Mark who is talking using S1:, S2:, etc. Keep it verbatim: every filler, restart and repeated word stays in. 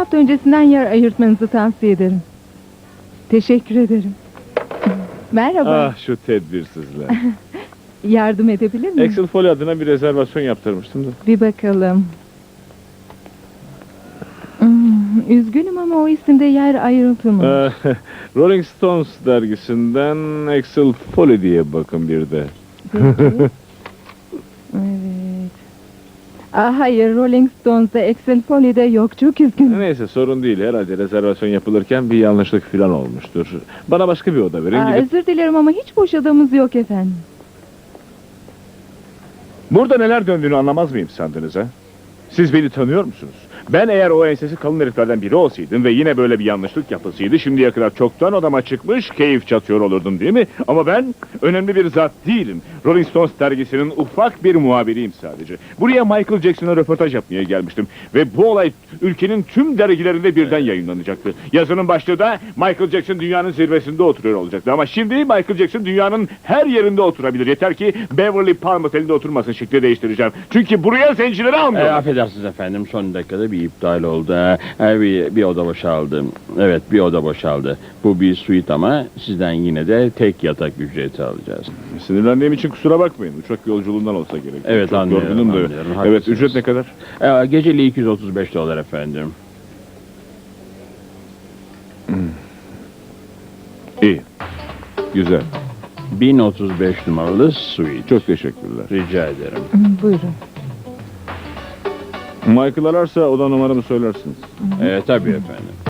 S1: hafta öncesinden yer ayırtmanızı tavsiye ederim. Teşekkür ederim. Merhaba.
S2: Ah şu tedbirsizler.
S1: Yardım edebilir miyim?
S2: Excel Foley adına bir rezervasyon yaptırmıştım da.
S1: Bir bakalım. Hmm, üzgünüm ama o isimde yer ayrıltılmamış.
S2: Ee, Rolling Stones dergisinden Excel Foley diye bakın bir de.
S1: Peki. Evet. Aa, hayır, Rolling Stones'da Excel Foley'de yok. Çok üzgünüm.
S2: Neyse sorun değil. Herhalde rezervasyon yapılırken bir yanlışlık falan olmuştur. Bana başka bir oda verin.
S1: Aa,
S2: Gidip...
S1: özür dilerim ama hiç boş odamız yok efendim.
S2: Burada neler döndüğünü anlamaz mıyım sandınız ha? Siz beni tanıyor musunuz? Ben eğer o ensesi kalın heriflerden biri olsaydım ve yine böyle bir yanlışlık yapılsaydı şimdiye kadar çoktan odama çıkmış keyif çatıyor olurdum değil mi? Ama ben önemli bir zat değilim. Rolling Stones dergisinin ufak bir muhabiriyim sadece. Buraya Michael Jackson'a röportaj yapmaya gelmiştim. Ve bu olay ülkenin tüm dergilerinde birden yayınlanacaktı. Yazının başlığı da Michael Jackson dünyanın zirvesinde oturuyor olacaktı. Ama şimdi Michael Jackson dünyanın her yerinde oturabilir. Yeter ki Beverly Palm Oteli'nde oturmasın, şekli değiştireceğim. Çünkü buraya zencileri
S3: E,
S2: almıyorlar.
S3: affedersiniz efendim, son dakikada bir iptal oldu. E, bir, bir oda boşaldı. Evet, bir oda boşaldı. Bu bir suite ama sizden yine de tek yatak ücreti alacağız.
S2: Sinirlendiğim için kusura bakmayın. Uçak yolculuğundan olsa gerek.
S3: Evet,
S2: Çok
S3: anlıyorum,
S2: yorgunum da.
S3: anlıyorum.
S2: Evet,
S3: Haklısınız.
S2: ücret ne kadar?
S3: E, geceliği iki yüz otuz beş dolar efendim.
S2: İyi. Güzel.
S3: bin otuz beş numaralı suite.
S2: Çok teşekkürler.
S3: Rica ederim.
S1: Hmm, Buyurun.
S2: Michael ararsa oda numaramı söylersiniz.
S3: E, tabii efendim.